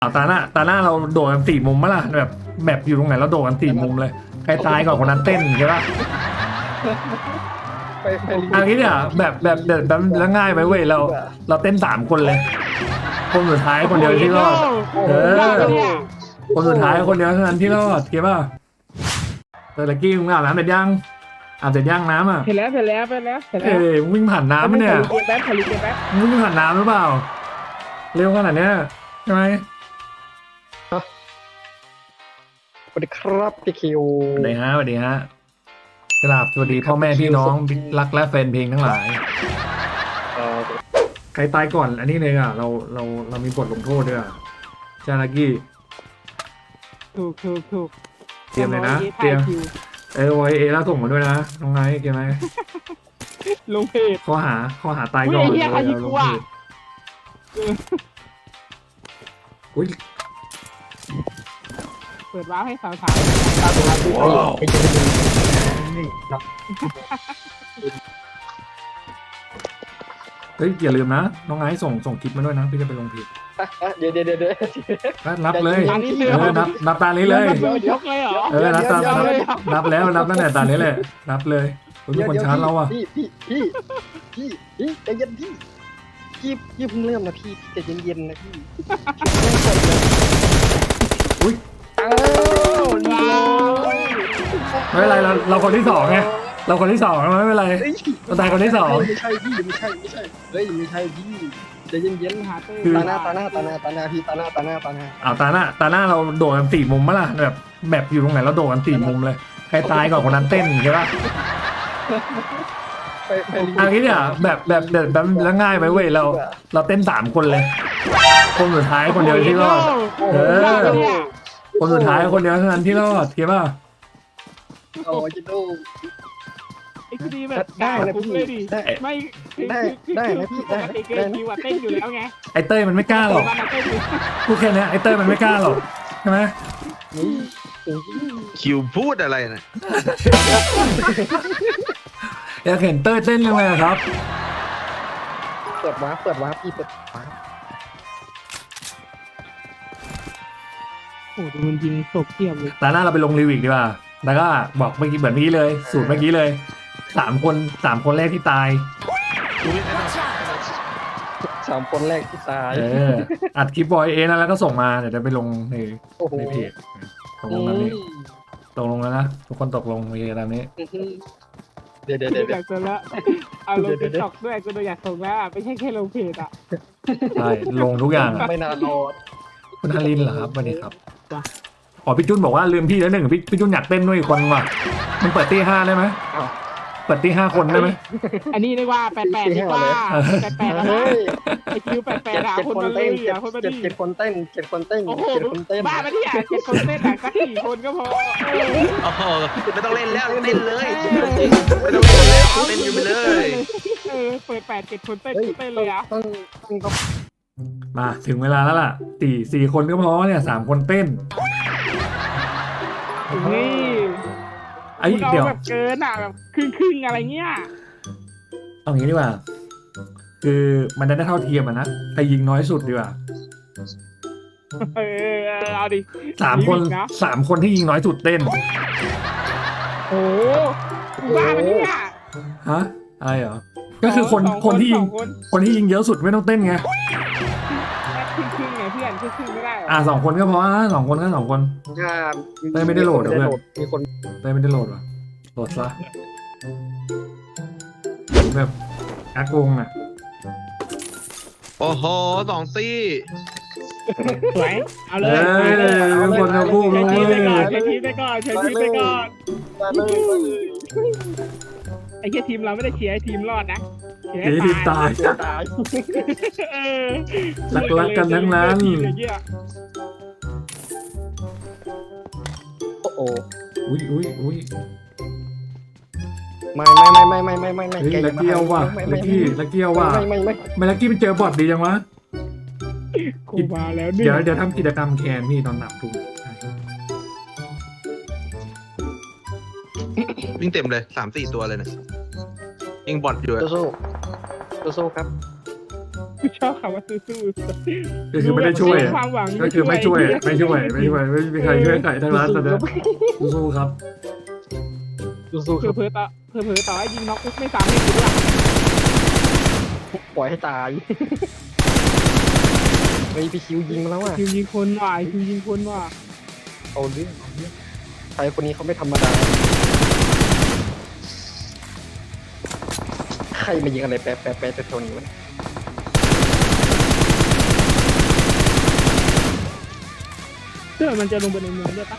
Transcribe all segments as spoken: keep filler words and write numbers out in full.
เอาตาหน้าตาหน้าเราโดดกันสี่มุมมั้ยล่ะแบบแบบอยู่ตรงไหนเราโดดกันสี่มุมเลยใครตายก่อนคนนั้นเต้นใช่ปะไปไปอันนี้เนี่ยแบบแบบแบบแบบแล้วง่ายไปเว้ยเราเราเต้นสามคนเลย คนสุดท้ายคนเดียวที่รอดเออคนสุดท้ายคนเดียวเท่านั้นที่รอดเก็บป่ะเตอร์กี้มึงอาบน้ำเสร็จยังอาบเสร็จยังน้ำอ่ะเห็นแล้วเห็นแล้วเห็นแล้วเห็นแล้วเอ้ยวิ่งผ่านน้ำมั้ยเนี่ยขอรีเกมแป๊บขอรีเกมแป๊บมึงวิ่งผ่านน้ำหรือเปล่าเร็วขนาดเนี้ยใช่ไหมสวัสดีครับพี่คิวสวัสดีฮะสวัสดีฮะกราบสวัสดีพ่อแม่พี่น้องรักและแฟนเพลงทั้งหลายเอ่อใครตายก่อนอันนี้เลยอ่ะเราเราเรามีบทลงโทษด้วยอ่ะจานากี้ถูกถูกถูกเตรียมเลยนะเตรียมเออไวเอแล้วส่งมาด้วยนะน้องไนท์เกมไหมลงเพจข้อหาข้อหาตายก่อนอุ้ยไอ้เหี้ยใครยิงกูอะอุ้ยเปิดว้าวให้สาวสาวตาตัวพี่ไอ้เจ้านี่เนาะเฮ้ยอย่าลืมนะน้องไนท์ส่งส่งคลิปมาด้วยนะพี่จะไปลงเพจอ่ะอ่ะเดี๋ยวเดี๋ยวเดี๋ยวเดี๋ยวนับเลยตอนนี้เรือเออนับนับตานี้เลยยกเลยเหรอเออนับตานับนับแล้วนับตั้งแต่ตานี้เลยนับเลยคุณเป็นคนชาร์จเราอ่ะพี่พี่พี่พี่พี่ใจเย็นพี่พี่พี่เพิ่งเริ่มนะพี่ใจเย็นๆนะพี่อุ้ยอ้าวนี่ไม่เป็นไรเราเราคนที่สองไงเราคนที่สองไม่เป็นไรเฮ้ยเราตายคนที่สองไม่ใช่พี่ไม่ใช่ไม่ใช่เฮ้ยไม่ใช่พี่ใจเย็นหาเต้ๆตาหน้าตาหน้าตาหน้าตาหน้าพี่ตาหน้าตาหน้าตาหน้าเอาตาหน้าตาหน้าเราโดดกันสี่มุมมั้ยล่ะแบบแบบอยู่ตรงไหนเราโดดกันสี่มุมเลยใครตายก่อนคนนั้นเต้นใช่ปะไปไปอันนี้เนี่ยแบบแบบแบบแบบแล้วง่ายไปเว้ยเราเราเต้นสามคนเลย คนสุดท้ายคนเดียวที่รอดเออคนสุดท้ายคนเดียวเท่านั้นที่รอดเก็บป่ะโอ้ยจิโดไอ้คดีแบบได้คุ้มเลยดิไม่ปกติเกมคิวอะเต้นอยู่แล้วไงไอเต้ยมันไม่กล้าหรอกมันเต้นอยู่พูดแค่นี้ไอเต้ยมันไม่กล้าหรอกใช่ไหมนี่คิวพูดอะไรนะอยากเห็นเต้ยเต้นยังไงอะครับเปิดวาร์ปเปิดวาร์ปพี่เปิดวาร์ปโอ้ดูมันยิงศพเทียบเลยตาหน้าเราไปลงรีวิวดีกว่าแล้วก็บอกเมื่อกี้เหมือนเมื่อกี้เลย สูตรเมื่อกี้เลยสามคนสามคนแรกที่ตายสามคนแรกที่ตายเอออัดคลิปบอยเอนะแล้วก็ส่งมาเดี๋ยวจะไปลงในโอ้โหในเพจตกลงแล้วนี่ตกลงแล้วนะทุกคนตกลงโอเคตามนี้เดี๋ยวเดี๋ยวดูเดี๋ยวอยากส่งแล้วเอาลงติ๊กต็อกด้วยกูดูอยากส่งแล้วไม่ใช่แค่ลงเพจอ่ะใช่ลงทุกอย่างอะไม่นานรอคุณฮารินเหรอครับสวัสดีครับอ๋อพี่จุนบอกว่าลืมพี่แล้วหนึ่งพี่พี่จุนอยากเต้นด้วยอีกคนว่ะมันเปิดตีห้าได้ไหมเปิดตีห้าคนได้ไหมอันนี้ดีกว่าแปดแปดดีกว่าแปดแปดนะเฮ้ยไอคิวแปดแปดเจ็ดหาเจ็ดคนคนมาเลเต้ยนอ่ะคนมาเจ็ดดิเจ็ดคนเต้นเจ็ดคนเต้นโอ้โหเจ็ดคนเต้นบ้ามาที่อ่ะเจ็ดคนเต้นอ่ะสักสี่คนก็พอโอ้โหไม่ต้องเล่นแล้วเต้นเลยจริงไม่ต้องเล่นแล้วเต้นอยู่ไปเลยเออเปิดแปดเจ็ดคนเต้นเฮ้ยเต้นเลยอ่ะต้องต้องต้องมาถึงเวลาแล้วล่ะสี่สี่คนก็พอเนี่ยสามคนเต้นนี่ไอ้คุณเอาเดี๋ยวแบบเกินอ่ะแบบครึ่งครึ่งอะไรเงี้ยเอางี้ดีกว่า คือมันจะได้เท่าเทียมอะนะใครยิงน้อยสุดดีกว่าเออเอาดิสามคนสามคนที่ยิงน้อยสุดเต้นโอ้บ้ามาที่อ่ะฮะอะไรเหรอก็คือคนคนที่ยิงคนที่ยิงเยอะสุดไม่ต้องเต้นไงครึ่งครึ่งไงเพื่อนครึ่งครึ่งไม่ได้อ่ะสองคนก็พอนะสองคนก็สองคนถ้าเต้ยไม่ได้โหลดเหรอเพื่อนมีคนเต้ยไม่ได้โหลดวะโหลดซะแบบอักวงอ่ะโอ้โหสองตี้สวยเอาเลเอ้ยยเป็นคนจะพูดใช้เลชีวิตไปก่อนยใช้ชีวิตไปก่อนใช้ชีวิตไปก่อนมาเลยมาเลยไอ้แค่ทีมเราไม่ได้เชียร์ให้ทีมรอดนะเชียร์ทีให้ทีมตายตายเออรักๆกันทั้งนั้นทีมอย่างเงี้ยโอ้โหอุ้ยอุ้ยอุ้ยไม่ไม่ไม่ไม่ไม่ไม่ไม่เฮ้ยแกลักกี้เอาว่ะไม่ลัไม่กกี้ลักกี้เอาว่ะไม่ไม่ไม่ไม่ลักกี้ไปเจอบอทดีจังวะกูมาแล้วนี่เดี๋ยวเดี๋ยวทำกิจกรรมแคนพี่ตอนหนับทุกวิ่งเต็มเลยสามสี่ตัวเลยนะยิงบอลอยู่อะโซโซ่โซโซ่ครับกูชอบคำว่าสู้ๆก็คือไม่ได้ช่วยดูแบบความหวังก็คือไม่ช่วยไม่ช่วยไม่ช่วยไม่มีใครช่วยใครทั้งนั้นตอนนี้สู้ๆครับสู้ๆคเผลรับอๆต่อเผลอๆต่อให้ยิงน็อกปุ๊บไม่ซ้ำไม่ถึงหลักปล่อยให้ตายเฮ้ยพี่คิวยิงมาแล้วอ่ะคิวยิงคนว่ะคิวยิงคนว่ะเอาเรื่องเอาเรื่องใครคนนี้เขาไม่ธรรมดาใครมายิงอะไรแปะแปะแปะแถวๆนี้วะเสื้อมันจะลงไปในเมืองด้วยปะ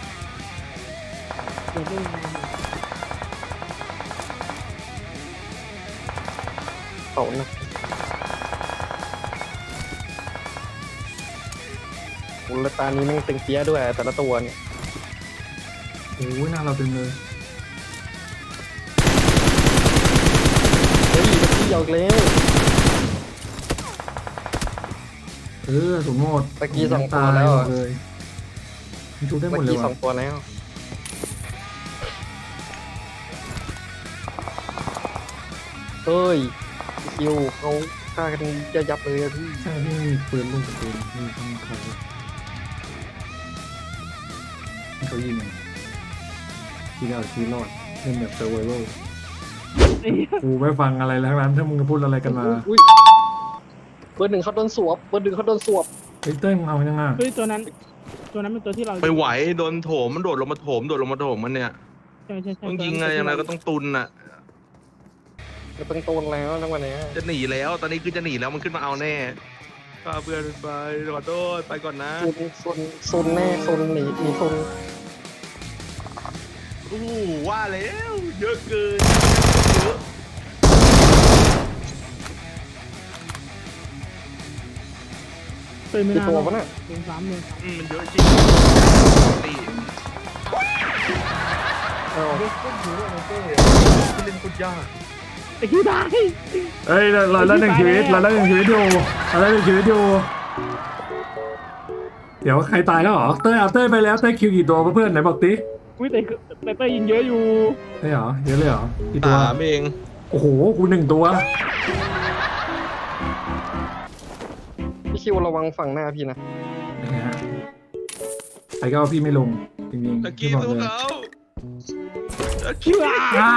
เดี๋ยวลงไปในเมืองเขานะโอ้แล้วตานี้แม่งตึงเปี้ยด้วยแต่ละตัวเนี่ยโอ้ยหน้าเราเต็มเลยเฮ้ยตะกี้ยาวอีกแล้วเออสมมติตะกี้สองตัวแล้วหมอะดเลยมันชุบได้หมเมื่ดอเลยกี้สอว่ะงตัวแล้วเฮ้ยคิวเขาฆ่ากันจะยับเลยอะพี่ใช่ที่มีปืนลูกกับปืนนี่ต้องเขาให้เขายิงที่เราชีวิตรอดเล่นแบบเซอร์ไวเวอร์กูไม่ฟังอะไรแล้วทั้งนั้นถ้ามึงจะพูดอะไรกันมาอุ๊ยเบอร์หนึ่งเขาโดนสวบเบอร์หนึ่งเขาโดนสวบเฮ้ยเต้ยมึงเอายังไงเฮ้ยตัวนั้น ตัวนั้นเป็นตัวที่เราไม่ไหวโดนโถมมันโดดลงมาโถมโดดลงมาโถมมันเนี่ยใช่ใช่ใช่ต้องยิงอะไรอย่างไรก็ต้องตุนอ่ะจะเป็นโตนแล้วทั้งวันเนี้ยจะหนีแล้วตอนนี้คือจะหนีแล้วมันขึ้นมาเอาแน่ก็เพื่อนไปขอโทษไปก่อนนะโซนโซนโซนแน่โซนหนีหนีโซนโอ้โหว่าแล้วเยอะเกินเยอะเติมไม่กี่นานตัววะน่ะเติมสามเลยอืมมันเยอะจริงตีเอาเล่นคนเยอะนะเต้เล่นคนยากแต่คิวได้เฮ้ยเราเราได้หนึ่งชีวิตเราได้หนึ่งชีวิตอยู่เราได้หนึ่งชีวิตอยู่เดี๋ยวใครตายแล้วเหรอเต้ยเอาเต้ยไปแล้วเต้ยคิวกี่ตัวเพื่อนไหนบอกติอุ้ยแต่แต่เต้ยยิงเยอะอยู่ใช่เหรอเยอะเลยเหรอกี่ตัวสามเองโอ้โหกูหนึ่งตัวพี่คิวระวังฝั่งหน้าพี่นะนะฮะไอ้ก็เอาพี่ไม่ลงจริงตะๆกี้พี่บอกสู้เลยเขาตะคิกี้วได้อ่า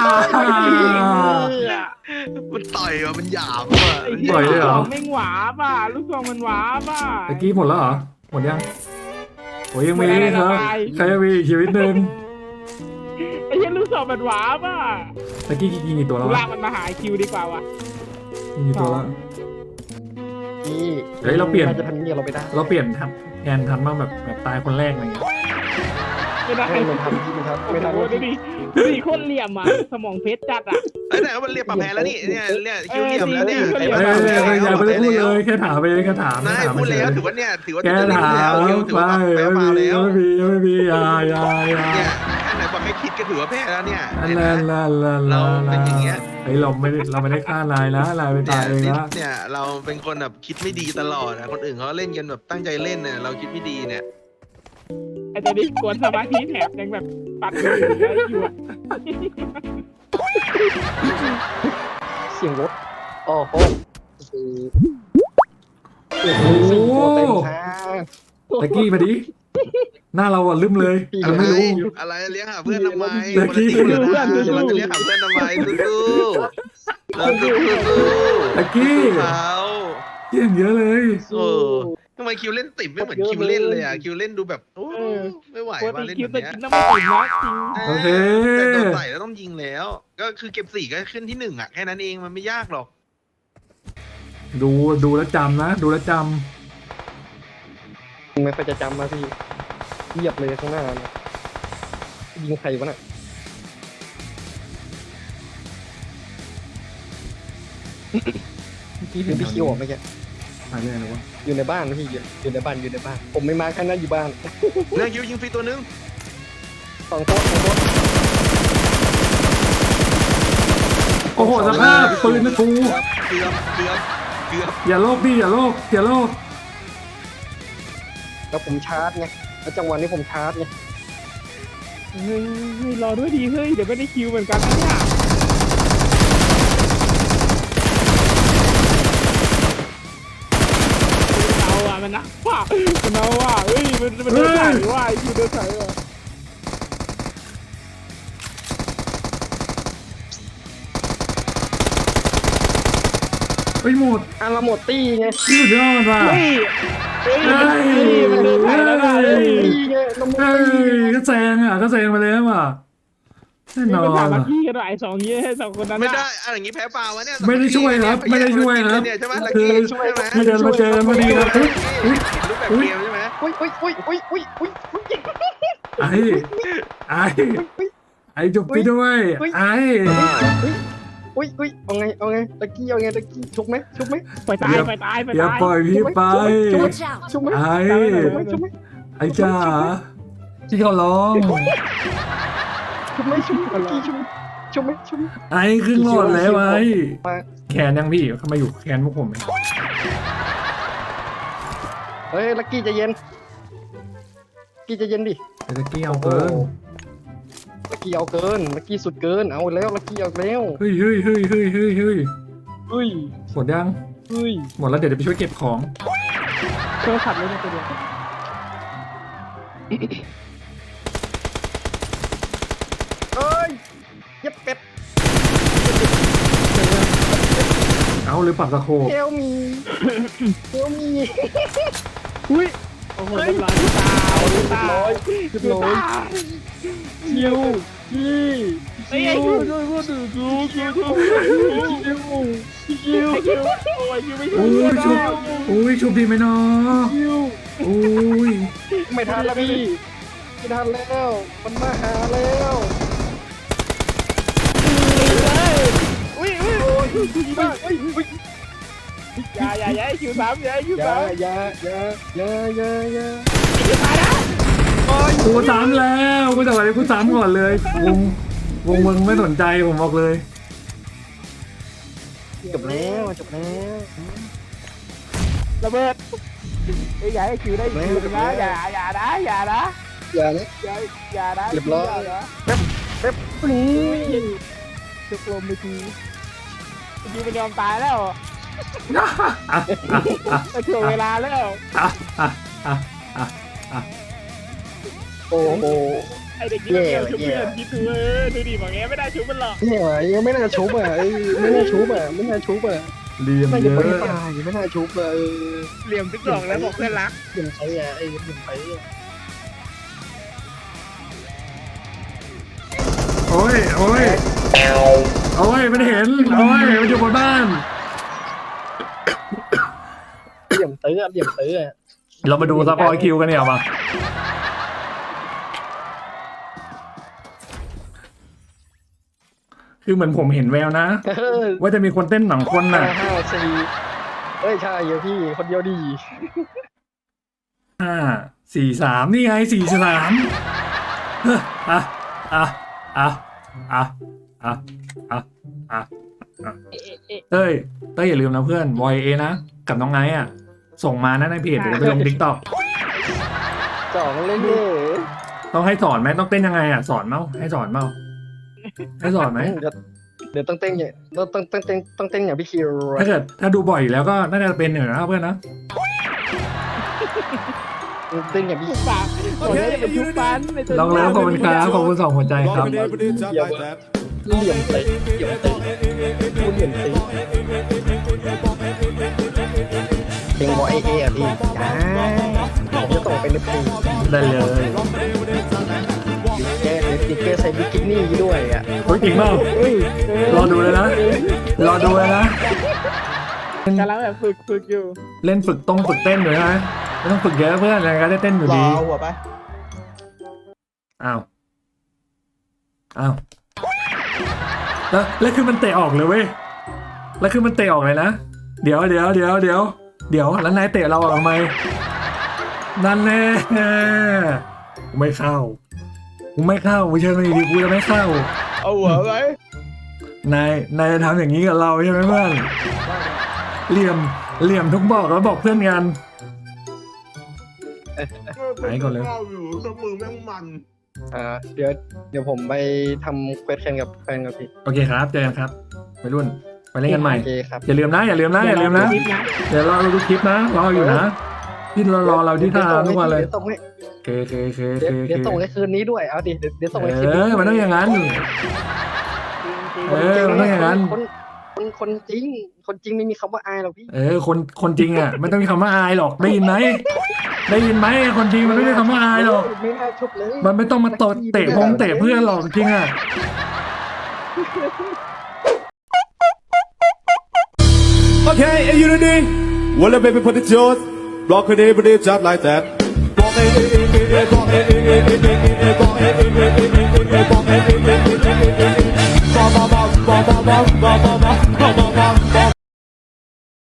มันต่อยว่ะมันหยาบว่ะไอ้เหี้ยปล่อยเลยเหรอลูกซองแม่งหวาป่ะลูกซองมันหวาป่ะตะกี้หมดแล้วเหรอหมดยังโอ้ยยังมีครับใครยังมีอีกชีวิตหนึ่งไอ้เหี้ยลูกซองมันหวาป่ะตะกี้ยิงกี่ตัวแล้วกูวะลากมันมาหาคิวดีกว่าวะยิงกี่ตัวแล้วพี่เฮ้ยเราเปลี่ยนจะทำเงี้ยเราไม่ได้เราเปลี่ยนทันแทนทันบ้างแบบแบบตายคนแรกอะไรเงี้ยไม่ได้ไม่ทำพี่ไม่ทำโอ้ไม่โหทำดูดิดูดิโคตรเหลี่ยมอ่ะสมองเพชรจัดอ่ะไอ้ไหนมันเรียกปรับแพ้แล้วนี่เนี่ยเนี่ยคิวเหลี่ยมแล้วเนี่ยเออไอ้เฮ้ยปรับเฮ้ยแพ้เฮ้ยอย่าแล้วไปได้พูดเลยแค่ถามไปเองแค่ถามนายถามพูดเฉยแล้วถือว่าเนี่ยถือว่าแค่จะเล่นถามแล้วคิวถือไปว่าแพ้ไม่ฟาวมีแล้วไม่มีไม่มีอยาอยาอยาเนี่ยแค่ไหนบอกให้คิดก็ถือว่าแพ้แล้วเนี่ยอันเห็นไหมนั้นละละละเราเป็นอย่างเงี้ยเฮ้ยเราไม่ได้เราไม่ได้ฆ่านายนะนายไปเนี่ตายยเองซิปนะเนี่ยเราเป็นคนแบบคิดไม่ดีตลอดนะคนอื่นเขาเล่นกันแบบตั้งใจเล่นเนี่ยเราคิดไม่ดีเนี่ยไอ้ตัวนี้กวนสมาธิแถบยังแบบปัดอยู่แล้วอยู่อ่ะเสียงรถอ๋อโหโอ้โหสี่ตัวเต็มทางตะกี้มาดิหน้าเราอ่ะลืมเลยพี่เราไม่รู้อะไรเลี้ยงหาเพื่อนทำไมเดี๋ยวคนละทีมกันนะเพื่อนสู้ๆเราจะเลี้ยงหาเพื่อนทำไมสู้ๆเราสู้ๆตะกี้เขาเยี่ยงเยอะเลยเออทำไมคิวเล่นติดไม่เหมือนคิวเล่นเลยอ่ะคิวเล่นดูแบบโอ้ไม่ไหวปกว่าติเล่นคิวแบบแต่เนี้ยกินน้ำมันติดนะจริงโอเคแต่โดนใส่แล้วต้องยิงแล้ว ก็คือเก็บสี่ก็ขึ้นที่หนึ่งอ่ะแค่นั้นเองมันไม่ยากหรอกดูดูแลวจำนะ ดูแลวจไม่ค่อยจะจำมาพี่เหยียบเลยข้างหน้าเนี่ยยิงใครวะน่ะำเมื่อกี้เห็เห็นนพี่คิวออกเมื่อกี้อะไรอะไรวะอยู่ในบ้านนะพี่อยู่อยู่ในบ้านอยู่ในบ้าน ผมไม่มาแค่นั้นอยู่บ้านนายคิวยิงฟรีตัวนึงสองโต๊ะสองโต๊ะโอ้โหสภาพปืนนะกูเกือบเกือบเกือบอย่าโลกดิอย่าโลกอย่าโลกแล้วผมชาร์จไงแล้วจังหวะนี้ผมชาร์จไงเฮ้ยเฮ้ยรอด้วยดีเฮ้ยเดี๋ยวไม่ได้คิวเหมือนกันนะเนี่ยมันนะว่ามันนะว่าเฮ้ยมันมันเดินสายว่าอยู่เดินสายว่ะเฮ้ยหมดอ่ะเราหมดตี้ไงสุดยอดว่ะเฮ้ยเฮ้ยมันเดินสายแล้วนะเฮ้ยตี้ไงเราหมดเฮ้ตี้ยก็แซงอ่ะก็แซงมาเลยว่ะแน่นอมันถามนมาว่ะพี่กันหน่อยสองเยี่ยสองคนนั้นไม่ได้อะไรอย่างงี้แพ้เปล่าวะเนี่ยไม่ได้ช่วยครับไม่ได้ช่วยครับเนี่ยใช่ไหมคือช่วยไหมไม่เดินมาเจอพอดีครับรูปแบบเกมใช่ไหมอุ้ยอุ้ยอุ้ยอุ้ยอุ้ยอุ้ยอุ้ยไอ้ไอ้ไอ้จุบพี่ด้วยไอ้อุ้ยอุ้ยเอาไงเอาไงตะกี้เอาไงตะกี้ชุบไหมชุบไหมไปตายไปตายไปอย่าตายปล่อยพี่ไป Watch out! ชุบไหมไอ้ชุบไหมชุบไหมไอ้จ๋าที่เขาร้องชุบไหมชุบตะกี้ชุบชุบไหมชุบไอ้ครึ่งหลอดแล้วไอ้แขนยังพี่เขามาอยู่แขนพวกผมไหมเฮ้ยลักกี้ใจเย็นกี้ใจเย็นดิไอ้ตะกี้เอาเกินลักกี้เอาเกินลักกี้สุดเกินเอาแล้วลักกี้เอาแล้วเฮ้ยเฮ้ยเฮ้ยเฮ้ยเฮ้ยเฮ้ยเฮ้ยหมดยังเฮ้ยหมดแล้วเดี๋ยวจะไปช่วยเก็บของเครื่องขับเลยนะตัวเดียวเอ้ยเย็บเป็ดเอาหรือปักตะโคเฮลมีเฮลมีอุ้ยโอ้โหเรียบร้อยตาตาเรียบร้อยคิวพี่ไอ้ไอ้คิวคิวคิวคิวคิวคิวคิวคิวคิวโอ้ยคิวไม่โอ้ยชุบโอ้ยชุบดีไหมเนาะคิวโอ้ยไม่ทันแล้วพี่ไม่ทันแล้วมันมาหาแล้วอุ้ยอุ้ยโอ้ยดีมากเฮ้ยเฮ้ยอย่าอย่าอย่าคิวสามอย่าคิวอย่าสามอย่าอย่าอย่าอย่าอย่าคิวตายนะกูสามแล้วกูจะอะไรกูสามก่อนเลยวงวงมึงไม่สนใจผมบอกเลยจบแล้วจบแล้วระเบิดไอ้ใหญ่คิวได้คิวนะอย่าอย่านะอย่านะอย่านะอย่าอย่านะเรียบร้อยแป๊บแป๊บนี่จุกลมไปทีเมื่อกี้มันยอมตายแล้วอ่ะอ่ะอ่ะอ่ะแต่ถ่วงเวลาแล้วอ่ะอ่ะอ่ะอ่ะอ่ะโอ้โหไอเด็กนี่มันเกี่ยวชุบเพื่อนคิดดูเออดูดิบอกงี้ไม่ได้ชุบมันหรอกเนี่ยยังไม่น่าชุบอ่ะไม่น่าชุบอ่ะไม่น่าชุบอ่ะเรียมน่าเยจะอะไม่ตายไม่น่าชุบอ่ะเออเหลี่ยมติ๊กตอกแล้วบอกเพื่อนรักเปลี่ยนไปอ่ะไอ้เปลี่ยนไปอ่ะโอ้ยโอ้ยโอ้ยมันเห็นโอ้ยมันอยู่บนบ้านเหลี่ยมเต๋อเหลี่ยมเต๋อเรามาดูซัพพอร์ตคิวกันเนี่ยมาคือเหมือนผมเห็นแววนะเออว่าจะมีคนเต้นหนังคนห้าน่ะห้าสี่เอ้ยใช่เยอะพี่คนเดียวดีห้าสี่สามนี่ไงสี่สามอ่ะอ่ะอ่ะอ่ะอ่ะอ่ะอ่ะเต้ยเต้ยอย่าลืมนะเพื่อนวอยเอนะกับน้องไนท์อ่ะส่งมานะในเพจเดี๋ยวจะไปลงทิกตอกสองเล่นเย่ต้องให้สอนไหมต้องเต้นยังไงอ่ะสอนเมาให้สอนเมาให้สอนไหมเดี๋ยวเดี๋ยวต้องเต้นอย่างต้องต้องต้องเต้นต้องเต้นอย่างพี่คิวถ้าเกิดถ้าดูบ่อยอยู่แล้วก็น่าจะเป็นอยู่นะเพื่อนนะเต้นอย่างพี่ชุบปากโอ้ยอย่าไปชุบปันลองแล้วขอบคุณครับขอบคุณสองหัวใจครับเหลี่ยมเตะเหลี่ยมเตะพูดเหลี่ยมเตะเพลงบอยเออะพี่จ้าผมจะส่งไปในเพลงได้เลยแกติดแกใส่บิกินี่ด้วยอ่ะเฮ้ยจริงเปล่าเฮ้ยรอดูเลยนะรอดูเลยนะกำลังแบบฝึกฝึกอยู่เล่นฝึกตรงฝึกเต้นอยู่นะไม่ต้องฝึกเยอะเพื่อนอะไรก็ได้เต้นอยู่ดีหัวไปอ้าวอ้าวแล้วแล้วคือมันเตะออกเลยเว้ยแล้วคือมันเตะออกเลยนะเดี๋ยวเดี๋ยวเดี๋ยวเดี๋ยวเดี๋ยวแล้วนายเตะเราออกทำไมนั่นแน่กูไม่เข้ากูไม่เข้ากูเชิญมาดีๆกูจะไม่เข้าเอาหัวไปนายนายจะทำอย่างนี้กับเราใช่ไหมเพื่อนเหลี่ยมเหลี่ยมทุกบอกแล้วบอกเพื่อนกันไหนก่อนเลยอยู่สมือแม่งมันอ่าเดี๋ยวเดี๋ยวผมไปทำเควสแข่งกับแฟนกับพี่โอเคครับเจอกันครับไปรุ่นไปเล่นกันใหม่โอเคครับอย่าลืมนะอย่าลืมนะอย่าลืมนะคลิปนะเดี๋ยวรอดูคลิปนะรออยู่นะที่รอรอเราที่ท่าทุกวันเลยเดี๋ยวส่งให้เคเคเคเดี๋เคยวเคเดี๋ยวส่งให้คืนนี้ด้วยเอาดิเดี๋ยวเดี๋ยวส่งให้คืนเอนี้อมันต้องอย่างนั้น เออมันต้องอย่างนั้นคนคนคนจริง คนจริงไม่มีคำว่าอายหรอกพี่เออคนคนจริงอ่ะไม่ต้องมีคำว่าอายหรอกได้ยินไหมได้ยินไหมคนจริงมันไม่มีคำว่าอายหรอกไม่น่าชุบเลยมันไม่ต้องมาตดเตะพงเตะเพื่อนหรอกจริงอ่ะ Okay, and unity. Well, the baby put the jaws. Block it, every day, just like that. Block it, block it, block it, block it, block it, block it, block it, block it, block it, block it, block it, block it, block it, block it, block it, block it, block it, block it,